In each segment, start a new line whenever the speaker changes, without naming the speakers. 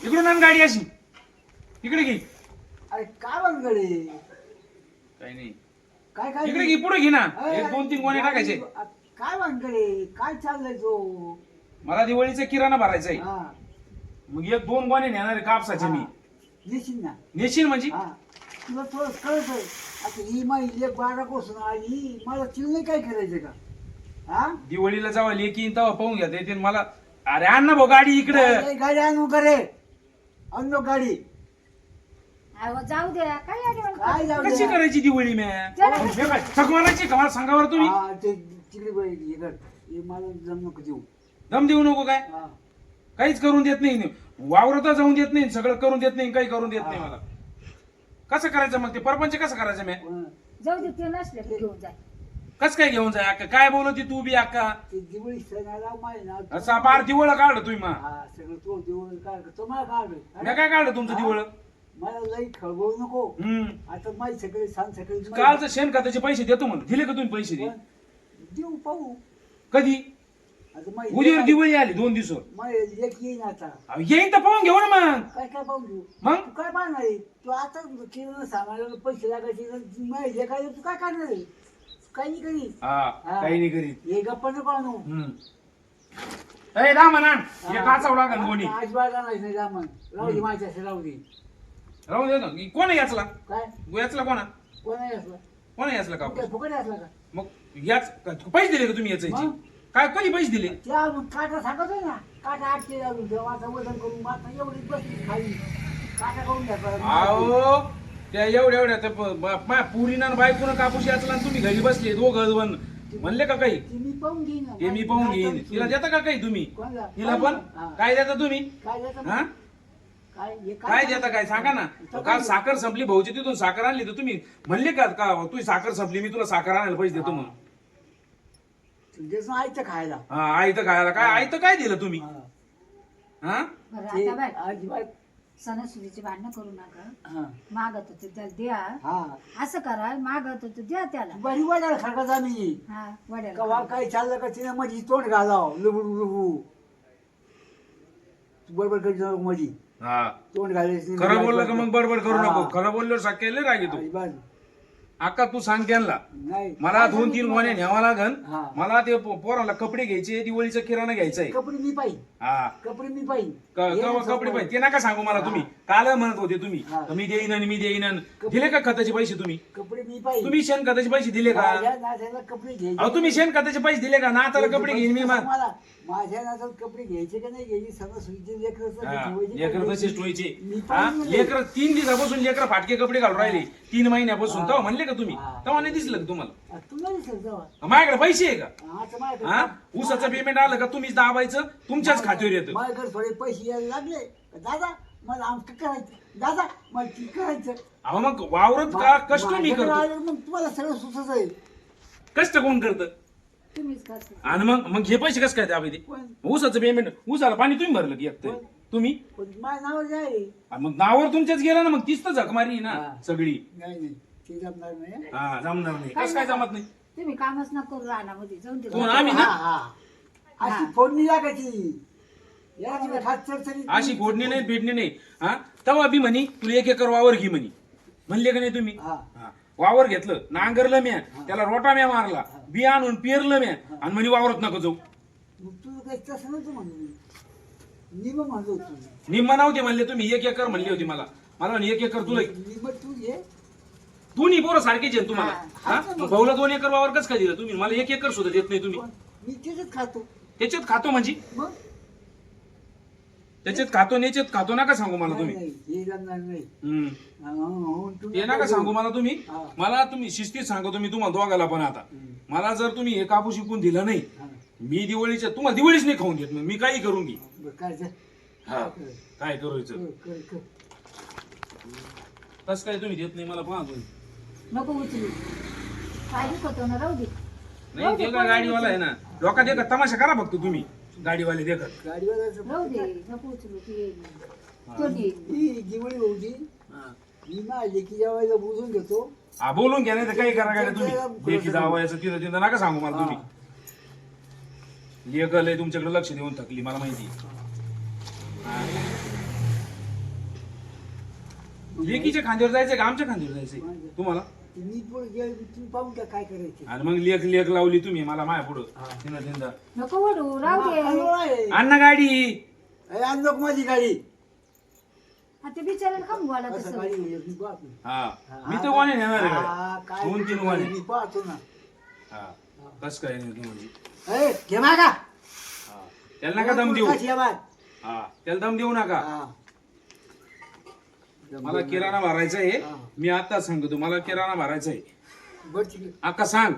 इकडून आण गाडी अशी इकडे घे.
अरे काय बनगडे
काही नाही
काय काय
इकडे घे पुढे घे ना.
अरे,
एक दोन तीन गोणे टाकायचे.
काय बनगडे काय चाललंय तो
मला दिवाळीचा किराणा भरायचा आहे.
हा
मग एक दोन गोणे नेणार आहे कापसाचे मी.
येशील ना
नेशील म्हणजे
हा तुला थोडं कळत आता ही माझी एक बारा कोसून आली मला तिला नाही काय करायचं का हा
दिवाळीला जावा लेकी तेव्हा पाहून घ्या येते मला. अरे आण ना भाऊ गाडी इकडे.
गाडी आणू करे आणलो गाडी
अहो, जाऊ द्या काय आठवण
काय जाऊ
कशी
दे?
करायची दिवाळी
चला.
थकवानाची का मला सांगा बरं तुम्ही.
हा, ते तिकडे बाई हे कर. हे मला जम नको देऊ
दम देऊ नको काय.
हा
काहीच करून देत नाही वावरता जाऊन देत नाही सगळं करून देत नाही काही करून देत नाही मला. कसं करायचं मग ते परपंच कसं करायचं मी.
हा.
जाऊ दे ते नसले की घेऊन जाय
कस काय घेऊन जाय अक्का काय बोलती तू बी अक्का.
ते दिवाळी सणाला माहिती ना
असा पार दिवळ काढ तुम्ही मा.
हा सगळं तो दिवळ काढ तुम्हाला काढ
मी काय काढलं तुमचं दिवळ.
मला लई खळबळू नको
हम्म
आता माझी सगळे सांग सगळे
कालचं शेणखताचे पैसे देतो म्हणून दिले का तुम्ही पैसे दे.
देऊ पाहू
कधी
आता माझी
उद्यावर दिवाळी आली 2 दिवसावर.
माझी लेक येईन आता
येईन तर पाहून घेऊ ना मग.
काय काय पाहू घेऊ
मग
तू काय पाहणार आहे तू आता किराणा सामानाला पैसे लागायचे माझी लेक आहे तू काय करणार आहे काही नाही करी
हा काही नाही करीत.
हे गप्पा नको आणू
ए दा म्हणा हे काचावडा का कोणी
आज बाळा नाही रामन राहू दे माझ्या असं राहू दे
राहू दे ना. कोण आहे याचला
काय
याचला कोणा
कोण आहे असलं
कोण आहे याचला का
काय फुकट असला का
मग याच पैसे दिले का तुम्ही याचे
मग?
काय कधी पैसे दिले.
त्या अजून काटा सांगतोय ना काटा आठशे अजून देवाचा वजन करून माता एवढी बसली खाली काटा करून घ्या
अहो त्या एवढ्या त्या माझ्या पुरीना बायकोनं कापूस याचला आणि तुम्ही घरी बसले दोघं म्हणले का काही.
ती मी पाहून घेईन ना.
ते मी पाहून घेईन. तिला देता का काही तुम्ही
कोणाला?
तिला पण
हा.
काय देता तुम्ही
काय देतं?
हा
काय हे
काय देता काय सांगा ना. काल साखर संपली भाऊची तिथून साखर आणली तर तुम्ही म्हणले का तुझी साखर संपली मी तुला साखर आणायला पैसे देतो म्हणून.
तुझ्याचं आयचं खायला
हा आई तर खायला काय आई तर काय दिलं तुम्ही.
हा.
हा
बरं
ते
आता बाय
अजिबात
सणासुदीची भांडणं करू नका
हा
मागत होते त्याला द्या
हा
असं करा मागत होते द्या त्याला
बरी वाटायला खडका जामी
हा वड्याला
कवा काय चाललं का तिने माझी तोंड घालाव लुबडू लुबू तू बडबड करी जाऊ माझी
हा
तोंड घालायची
खरं बोललं का मग बडबड करू
हा.
नको. खरं बोलल्यावर साकेले राग येतो.
अजिबात
अक्का तू सांग त्यांना
नाही
मला 2-3 गोण्या न्यावा लागन.
हा.
मला ते पोराला कपडे घ्यायचे दिवाळीचा किराणा घ्यायचा आहे.
कपडे मी पाहिजे
हा
कपडे मी पाहिजे
कपडे पाहिजे ते नका सांगू मला तुम्ही. काल म्हणत होते तुम्ही
हा.
मी देईन आणि मी देईन आणि दिले का खताचे पैसे तुम्ही.
कपडे मी पाहिजे
तुम्ही शेण खताचे पैसे दिले का.
माझ्या नात्याला कपडे घ्यायचे
अहो तुम्ही शेण खताचे पैसे दिले का ना आता कपडे घेईन मी मग.
मला माझ्या नात्यात कपडे घ्यायचे का नाही घ्यायचे सणासुदीचे
लेकर तसेच ठेवायचे.
मी
हा
पाहिजे.
लेकर 3 दिवसापासून लेकर फाटके कपडे घालून राहिले 3 महिन्यापासून.
हा.
तेव्हा म्हणले का तुम्ही
हा.
तेव्हा नाही दिसलं का तुम्हाला.
तुला दिसेल जेव्हा
माझ्याकडे पैसे आहे का.
आता माझ्याकडे
हा ऊसाचं पेमेंट आलं का तुम्हीच दाबायचं तुमच्याच खात्यावर येतं.
माझ्याकडे थोडे पैसे यायला लागले दादा मला आमचं करायचं दादा मला ती करायचं
अहो मग वावरत का कष्ट मी
माझ्याकडे
करतो.
आलं मग तुम्हाला सगळं सुचत आहे
कष्ट कोण करतं
तुम्हीच करता
आणि मग हे पैसे कसं काय द्यावे ते.
पण
ऊसाचं पेमेंट ऊसाला पाणी तुम्ही भरलं की एकटं तुम्ही.
पण माझ्या नावावर जे आहे
आणि मग नावावर तुमच्याच गेलं ना मग तीच तर झकमारी आहे ना
हा.
सगळी.
नाही नाही ते जमणार नाही हं.
हा जमणार नाही. कसं काय जमत नाही.
तुम्ही कामच न करू रानामध्ये जाऊन दे
कोण आम्ही ना.
हा, हा. अशी फोडणी लागायची या तुम्ही हात चरचरीत
अशी फोडणी नाही भेटणी नाही. हा तेव्हा बी म्हणी तुला 1 एकर वावर घे म्हणी म्हणले का नाही तुम्ही.
हा.
हा. वावर घेतलं नांगरलं म्या त्याला रोटा म्या मारला बी आणून पेरलं म्या आणि म्हणे वावरत नको जाऊ.
मग तुझं काही तसं नव्हतं म्हणलं मी मग म्हणलो होतो
निम्मा नव्हते म्हणले तुम्ही 1 एकर म्हणली होती मला म्हणे 1 एकर तुला.
निम तू घे
दोन्ही पोरं सारखेच आहे तुम्हाला.
हा.
हा मग भाऊला 2 एकर वावर कसं काय दिलं तुम्ही मला 1 एकर सुद्धा देत नाही तुम्ही.
पण मी त्याच्यात खातो
त्याच्यात खातो म्हणजे
मग
त्याच्यात खातो याच्यात खातो नका सांगू मला तुम्ही.
नाही, हे जमणार नाही
हम्म.
तू
ते नका सांगू मला तुम्ही.
हा.
मला तुम्ही शिस्तीत सांगतो मी तुम्हाला दोघाला पण आता. मला जर तुम्ही हे कापूस शिकून दिलं नाही
हा.
मी दिवाळीच्या तुम्हाला दिवाळीच नाही खाऊन देत मग मी काही करून घे.
बरं, काय ते?
हा काय करायचं
कर, कर.
तसं काय तुम्ही देत नाही मला पहा तुम्ही.
नको उचलू काय दुखतो ना राहू दे
नाही ते का गाडीवाला आहे ना लोका देखत तमाशा करा फक्त तुम्ही गाडीवाले देखत.
गाडीवाल्याचं
राहू दे नको उचलू ती तो देईल.
ही दिवाळी होती मी माझी की जेवायला बुजून घेतो
हा बोलून घ्या नाही तर काही करा गाड्या तुम्ही. लेकी जावायचं तिथं तिथं नका सांगू मला तुम्ही. लेकल आहे तुमच्याकडे लक्ष देऊन थकली मला माहिती. हा. लेकीच्या खांद्यावर जायचंय का आमच्या खांद्यावर जायचंय तुम्हाला?
मी पुढे गेलो तुम्ही पाहून घ्या काय करायचे.
आणि मग लेख लेख लावली तुम्ही मला माया पुढं
हा.
तिनं तिंदा.
नको वडू राहू दे.
अण्णा गाडी
आणलो माझी गाडी.
हा, ते बिचारायला का बोला
असं
तसं?
गाडी होईल, मी पाहतो.
हा मी तर कोणी नेणार आहे गाडी?
हा, काय
2-3 वाणे.
मी पाहतो ना.
हा कस काय नाही तू म्हणजे
ए, घे मागा.
हा. त्याला नका दम देऊ.
कशी आहे बाय?
हा त्याला दम देऊ नका.
हा.
मला किराणा भरायचा आहे.
हा.
मी आता सांगतो मला किराणा भरायचा आहे.
बरं ठीक आहे.
अक्का सांग.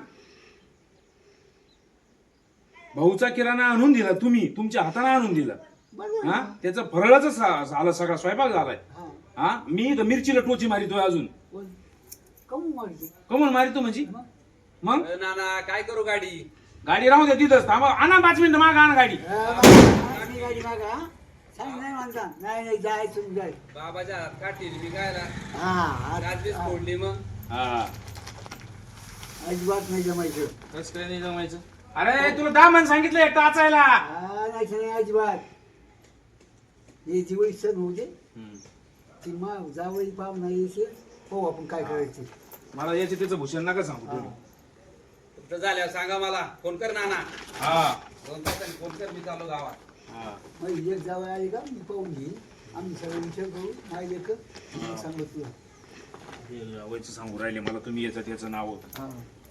भाऊचा किराणा आणून दिला तुम्ही तुमच्या हाताने आणून दिला.
बरं
हा
झालं.
त्याचा फरळाच झाला सगळा स्वयंपाक झालाय.
हा.
हा मी तर मिरचीला टोची मारितोय अजून.
बोल. काहून मारते?
कमून मारितो म्हणजे
मग?
मग
नाना काय करू गाडी?
गाडी राहू द्या तिथंच थांबा. आणा 5 मिनिटं मागा आणा गाडी.
माझी गाडी मागा, हा? सांग नाही म्हणता. नाही नाही जायचं तुम्ही जाय.
बाबाच्या हात काढतील मी गायला
हा
रात्रीच फोडली मग.
हा
अजिबात नाही जमायचं.
कसं काय नाही जमायचं? अरे तुला दामन सांगितलंय टाचायला.
हा नाही अजिबात. हे दिवाळी सण होऊ दे. ती मग जावळी पाव नाही येते. हो आपण काय करायचं.
मला याचे त्याचं भूषण नका सांगू तुम्ही.
तुमचं झाल्यावर सांगा मला. फोन कर नाना.
हा
2 तासांनी फोन कर, मी चालू गावात.
हा
मग एक जावळ आली का मी पाहून घेईन. आम्ही सगळं विचार करू. नाही लेख सांगत तुला.
हे वयचं सांगू राहिले मला तुम्ही याचं त्याचं नाव.
हा.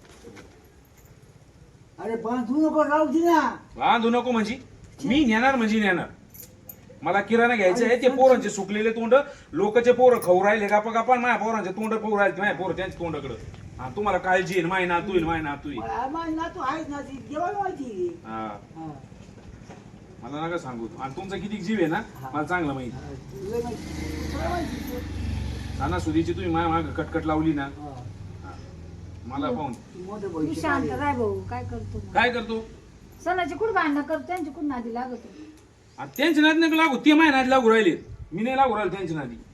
अरे बांधू नको राहू दे ना.
बांधू नको म्हणजे मी नेणार म्हणजे नेणार. मला किराणा घ्यायचं आहे. ते पोरांचे सुकलेले तोंड लोकचे पोरं खाऊ राहिले गापा गापा. माझ्या पोरांचे तोंड खाऊ राहिले. माझ्या पोरं त्यांच्या तोंडाकडं. हा तुम्हाला काळजी आहे. माय नातू येईल माय नातू येईल.
ना तू आहेस ना ती देवाला माहिती.
हा
हा.
मला नका सांगू. आणि तुमचा किती जीव आहे ना मला चांगलं माहिती.
हा, तुला माहिती. तुला माहिती.
सणासुदीची तुम्ही माझ्या माग कटकट लावली ना.
हा.
हा. मला पाहून
तू मोठं
तू
भविष्य
शांत
काढेल.
राय भाऊ. काय करतो मग?
काय करतो?
सणाची कुठं भांडणं करतो त्यांची कुठं नादी लागतो.
आता त्यांच्या नादी नका लागू. ते माझ्या नादी लागू राहिले. मी नाही लागू राहिले त्यांच्या नादी.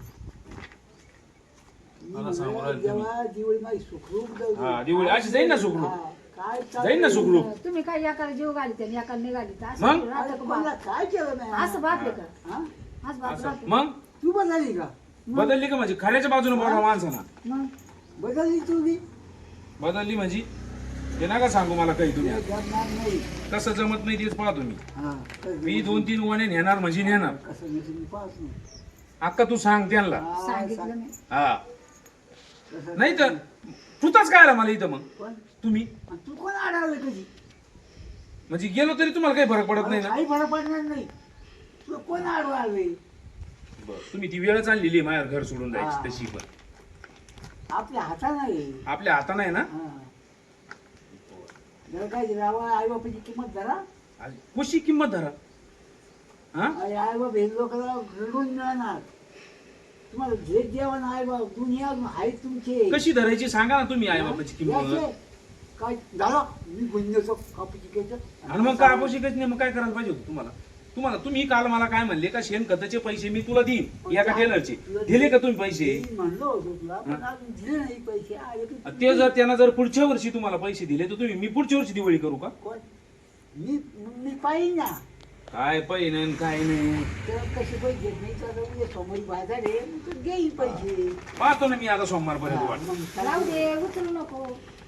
मी
मला सांगू
म्हणलं,
राहिले तुम्ही.
देवा दिवाळी माझी सुखरूप जाऊ दे.
हा, दिवाळी अशी जाईन ना सुखरूप.
हा, काय
जाईन ना सुखरूप.
तुम्ही काय एकाला जीव घालीत आणि एकाला नाही घालीत असं
मग?
राहतं
अरे
का
कोणाला
बाप?
काय केलं नाही
असं बापले का?
हा?
आज बाप
असं.
राहतो.
मग
तू बदलली का?
बदलली का म्हणजे खऱ्याच्या बाजूने बोला माणसाना.
मग
बदलली तू बी?
बदलली म्हणजे ते नका सांगू मला काही तुम्ही.
तुला जमणार नाही.
कसं जमत नाही तेच पाहा तुम्ही.
हा, कसं
मी 2-3 वाणे नेणार म्हणजे नेणार.
कसं नाही तुम्ही पाहत नाही.
अक्का तू सांग त्यांना.
हा,
सांगितलं मी.
हा
कसं
नाही तर तुताच काय आला मला इथं मग
पण
तुम्ही
आणि तू कोण अडवलं कधी?
म्हणजे गेलो तरी तुम्हाला काही फरक पडत नाही ना.
काही फरक पडणार नाही. तुला कोण अडवावे?
तुम्ही ती वेळच आणलेली आहे माझ्या घर सोडून
हा.
जायची तशी पण
आपल्या हातात नाही.
आपल्या हाताने आहे ना.
हा. जर काय रावा आई बापाची किंमत धरा.
कशी किंमत धरा. हा
आणि आई बाप हे लोकांना रडून मिळणार. तुम्हाला जे जेवण आई बाप दुनिया आहे तुमचे.
कशी धरायची सांगा ना तुम्ही आई बापाची किंमत.
याचे काय झालं मी गुन्ह्याचं कापूची घ्यायचं.
आणि मग काय आपण शिकायचं नाही. मग काय करायला पाहिजे होतं तुम्हाला तुम्ही काल मला काय म्हणले का शेणखताचे पैसे मी तुला देईन एका टेलरचे. दिले का तुम्ही पैसे?
मी म्हणलो होतो तुला पण अजून दिले नाही पैसे. आले की
ते जर त्यांना जर पुढच्या वर्षी तुम्हाला पैसे दिले तर तुम्ही मी पुढच्या वर्षी दिवाळी करू का?
कोण? मी पाहिजे ना.
काय पैन काय नाही
तर कसे पैसे घेत नाही तर उद्या सोमवारी बाजार आहे मग तू घेईल पैसे.
पाहतो ना मी आता सोमवारपर्यंत
हा,
वाट.
मग काय?
राहू दे उचलू नको.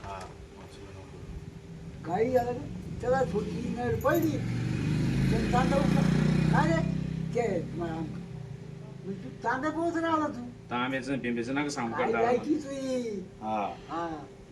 काही झालं का? त्याला थोडी नळ पडली तर तांदूळ काय रे ते मग तू तांदूळ पोहोच राहिला तू.
तांब्याचं पिंब्याचं नका सांगू
काय
करता.
जायची तुझी.
हा
हा